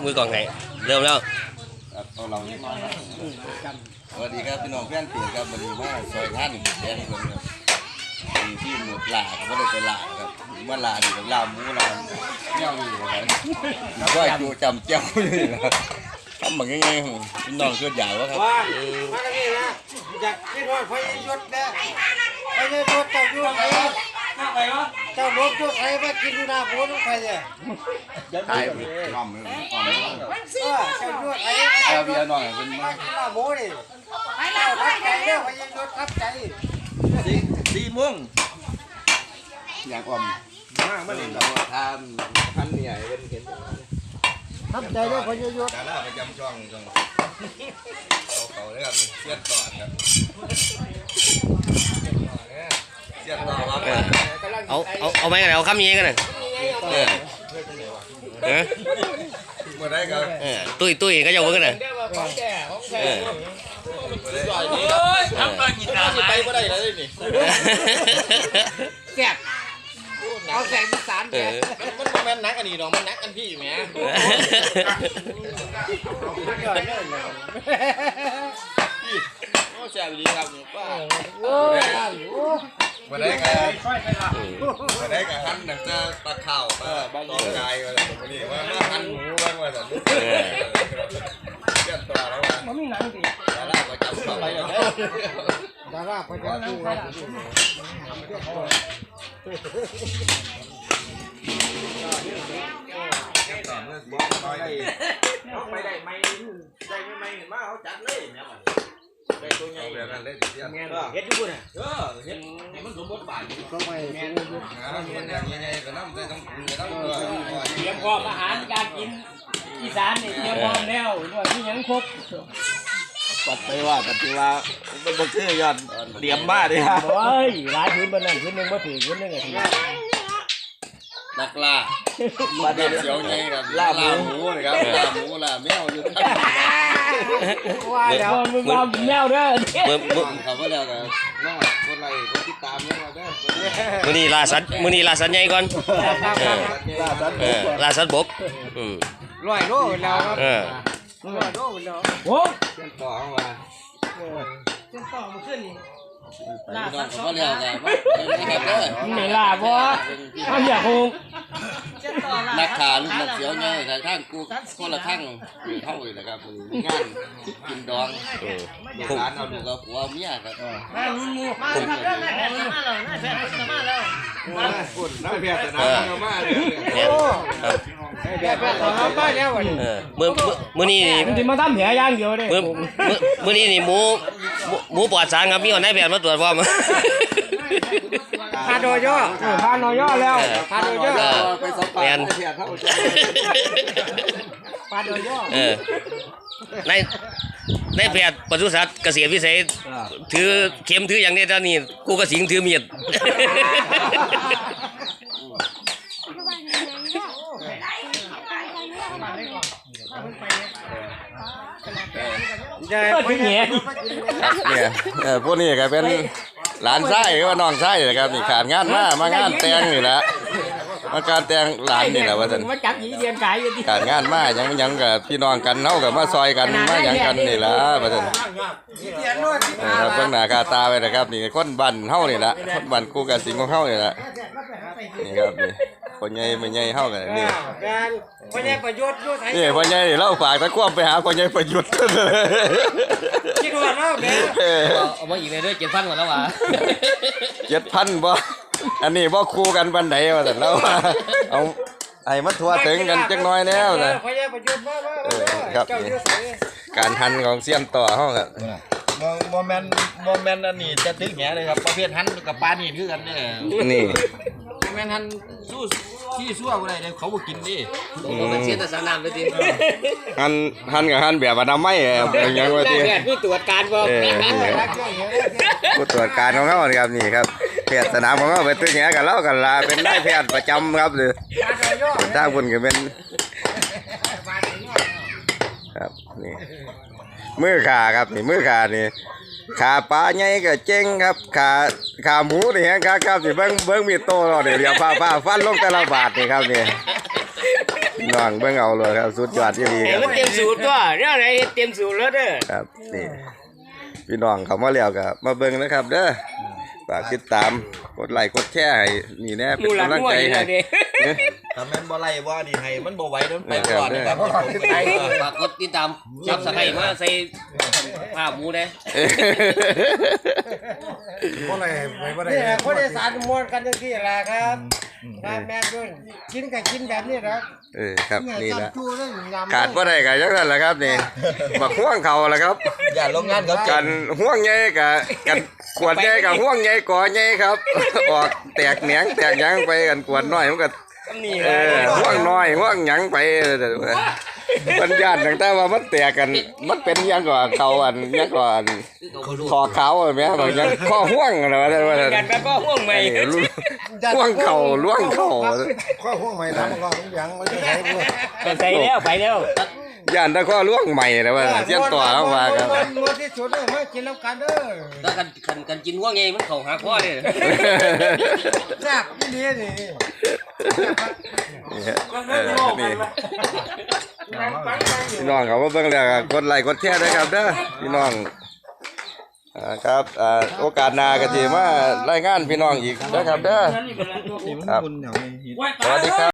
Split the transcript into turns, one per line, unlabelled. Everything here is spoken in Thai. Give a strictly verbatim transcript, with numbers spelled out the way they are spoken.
มือกองไงเริ่มแล้ว
เอาเราเล็กน้อยนะสวัสดีครับพี่น้องเพื่อนเปียครับวันนี้มาซอยท่านแดงคนครับมีที่หมดหลาก็ไม่ได้ไปหลาครับว่าหลาดีกับลาหมูลาเงี้ยวอยู่ครับก็อยู่จำเจ้าอยู่นะครับทำแบบง่ายๆพี่น้องเชื่อใหญ่วะครับ
ว่ามากันนี่นะอยากให้รอดพยศนะพยศเจ้าอยู่ไหนเจ้าลบอยู่ไหนมากินดูนาโบ้ต้องใครเนี่ย
ตายน้อมเลยน้อมเลย
เออเจ้าอยู่ไหน
เอาเบียร์หน่อยเป็น
มากินนาโบ้ดิเจ้าทับใจเนี่ยพยศทับใจ
สีสีม่วงอย่างอ่อมมากไม่เห็นเราทำพันเนี่ยเป็นเห็น
ทับใจเนี่ยพยศ
ดาราประจำช่องช่องเขาเขาเลยครับเสียดต่อครับเสียดต่อครับ
เอาเอาเอาไหมกันเอาคำนี้กันเลยเออเออ
เมื่อไรครับ
เออตุ้ยตุ้ยก็จะเวิร์กเลยเออ
ทำกันยินดีไปก็ได้แล้วนี่
แซ่บเอาแสงที่สารแก
มันมันแม่นนักอันนี้ดอกมันนักอันพี่อยู่ไหมโอ้แซ่บดีครับป้า
โอ้ย
มาได้กันมาได้กันหั่นหนังจะปลาข่าวปลาตองกายอะไรแบบนี้ว่าหั่นหมูบ้างว่าแต่เชื่อตัวแล้วว่ามันมีหนังดิดาราประจำช่อง
ดาราประจำช่อง
ไม่ได้ไม่ได้ไม่ไม่เห็นว่าเขาจัดเลยเนี่ยได้ตัวใหญ่
แบบนั้นเลยเสีย
เฮ็ดอยู่น่ะเออเฮ็ดให้มันสมบทบาท
ก็ไม่
แม่นมันอย่างใหญ่ๆก็น้ำได้ต้องกินก็ต้องตัว
เตรียมพร้อมอาหารการกินอีสานนี่เตรียมพร้อมแล้วด้วยที่ยังครบ
ปัดไปว่าปัดไปว่าเป็นบ่คือยอดเตรียมมาดิฮะ
โอ้ยหลายพื้นบนนั้นพื้นนึงบ่ถือพื้นนึงก็ถือ
นักล่ามาเด็ดเสียวไงครับล่าหมูนะครับล่าหมูล่าแมวอยู่ทั้ง
ว่าเดี๋ยวมึงเอาแมวเด้อ
เมื่อเมื่อเขาก็แล้วกันน้องคนไรคนติดตามเนี่ยเราเด้อ
มื้อนี้ล่าสัตว์มื้อนี้ล่าสัตว์ใหญ่ก่อน
ล่าสัตว์
เออล่าสัตว์บกอืม
ร้อยโลแล้วครับ
เออ
ร้อยโลแล้ว
โอ้
เส้นต่อเข้ามา
เส้นต่อมาขึ้นนี่
ล่าสัตว์เขาเรียกกันว่า
ไม่ล่าบ่เฮาอยากฮู้
นักขาลูกนักเสียวไงแต่ท่านกูคนละข้างเข้าเลยนะครับงานกินดองลูกหลานเอาดูกับผัวเมียครับ
มาลุงงูมาครับเด้อแม่แพทย์มาแล้วแม่แพทย์มาแล้ว
มาคุณน้ำแพทย์นะเอามาเลย
โอ้แม่แพทย์เอามาแล้ววันนี้
เออมื้อมื้อนี้
มันสิมาทำแผลอย่างเดียวเด้
มื้อมื้อนี้นี่หมูหมูปลอดสารครับมีคนได้แพทย์มาตรวจพร้อม
พาโดย่อ
พาโดย่อแล้ว
พาโดย่อ
ไปสอบปากแพทย์เข้า
พาโดย่อ
เออในในแพทย์ปศุสัตว์เกษตรวิสัยถือเข็มถืออย่างนี้ตอนนี้กูกระสิงถือมีด
เนี่ย
เออพวกนี้ก็เป็นหลานไส้ก็ว่าน้องไส้นะครับนี่ขาดงานมามางานแต่งนี่แหละมาการแต่งหลานนี่แหละว่าท่าน
มาจับหยีเรียนขายอยู่ที่
ขาดงานมายังยังกับพี่น้องกันเฮากับมาซอยกันมาหยังกันนี่ล่ะว่าท่านครับเบิ่งหน้าค่าตาไว้นะครับนี่คนบ้านเฮานี่ล่ะคนบ้านกูกับสิงของเฮานี่ล่ะนี่ครับนี่พ่อใหญ่แม่ใหญ่เฮากันนี่
พ่อใหญ่ประโยชน์อยู่ไส
นี่พ่อใหญ่เราฝากตะควบไปหาพ่อใหญ่ประยุทธ์
คิดว่าเนาะแม่
เอามาอีกเลยด้วยเจ็ดพันกว่าแล้วว่ะ
เจ็ดพันบ่อันนี้บ่คู่กันปานใดว่าซั่นแล้วเอาไอ้มันทั่วถึงกันจักหน่อยแล้วนะ
พ่อใหญ่ประโยชน์บ่
ๆครับการทันของเซียนต่อเฮาครับ
โมเมนต์โมเมนต์อันนี้จะถึงแหเลยครับประเภทหันกับปลานี่คือกันเนี่ย
นี่
โมเมนต์หันสู้ที่สู้อะไรเนี่ยเขาบ่กินดิ
มันเสียแต่สนามเลยที
หันหันกับหันแบบอนามัยอย่างยังว่าที่
ผู้ตรวจการบ่
ผู้ตรวจการของเขาครับนี่ครับแพทย์สนามของเขาเป็นตัวแง่กันแล้วกันลาเป็นได้แพทย์ประจำครับหรือถ้าคุณก็เป็นครับนี่มือขาครับนี่มือขานี่ขาปลาใหญ่ก็เจ๊งครับขาขาหมูนี่ฮะครับครับนี่เบิ้งเบิ้งมีโตเราเดี๋ยวเดี๋ยวผ้าผ้าฟันลงแต่ละบาทนี่ครับนี่น้องเบิ่งเอาเลยครับสุดยอดที่ดี
เห็
คน รับ
มันเต็มสูตรตัวเนี่ยไหนเฮ็ดเต็มสูตรแล้วเด้อ
ครับนี่พี่น้องเขามาแล้วก็มาเบิ่งนะครับเด้อฝากติดตามกดไลค์กดแชร์ให้นี่แน่
ห
เป็น
มูหลัง
กำลัง
มั่ว
ใจ
อยู่
ให้
แล้วนี่
ถ้าแม่นบ่ไล่ว่านี่ให้มันบ่ไหวเด้อไปก่อนนะครับ
ฝากกดติดตามจับสไครมาใส่ผ้าหมูเด้
เพราะอะไรไม่ว่านี่แหละคนอีสานมวนกันจังซี่แหละครับครับแม่นด้วยกินก็กินแบบนี้นะ
เออครับนี่ละ
จูเลยยำ
ขาดบ่ได้ก็จังซั่นแหละครับนี่บักห่วงเขาล่ะครับ
อย่าลงงานเขา
กันห่วงใหญ่กับกันขวดใหญ่กับห่วงใหญ่ก่อใหญ่ครับ ออกแตกแหนงแตกหยังไปกันขวดน้อยมันก็
นี่
เออห่วงน้อยห่วงหยังไปมันญาติตั้งแต่ว่ามันแตกกันมันเป็นหยังกว่าเขาอันหยังกว่าอันคอเขาแม่บางหยังข้อห่วงอะไรว่าว่า
กันแล้วก็ห่วงใหม่
ห่วงเข่าล่วงเข่า
ข้อห่วงใหม่ทำมันก็ยังมันจะใช้ด้วย
ก็ใส่แล้วไปแล้ว
ย่านตะข้อล่วงใหม่แล้วว่าเสียนต่อแล้วว่าครับ
มวนที่สุดเลยมากินแล้วกันเด้อ
แล้วกันกันกันกินห่วงไงมันเข้าหาพ่อเด้อ
แซ่บนี่นี่นี่
นี่ฮะเออนี่พี่น้องเขามาเบิ่งแล้วก็กดไลค์กดแชร์ด้วยครับเด้อพี่น้องอ่าครับอ่าโอกาสหน้าก็สิมารายงานพี่น้องอีกนะครับเด้อครับสวัสดีครับ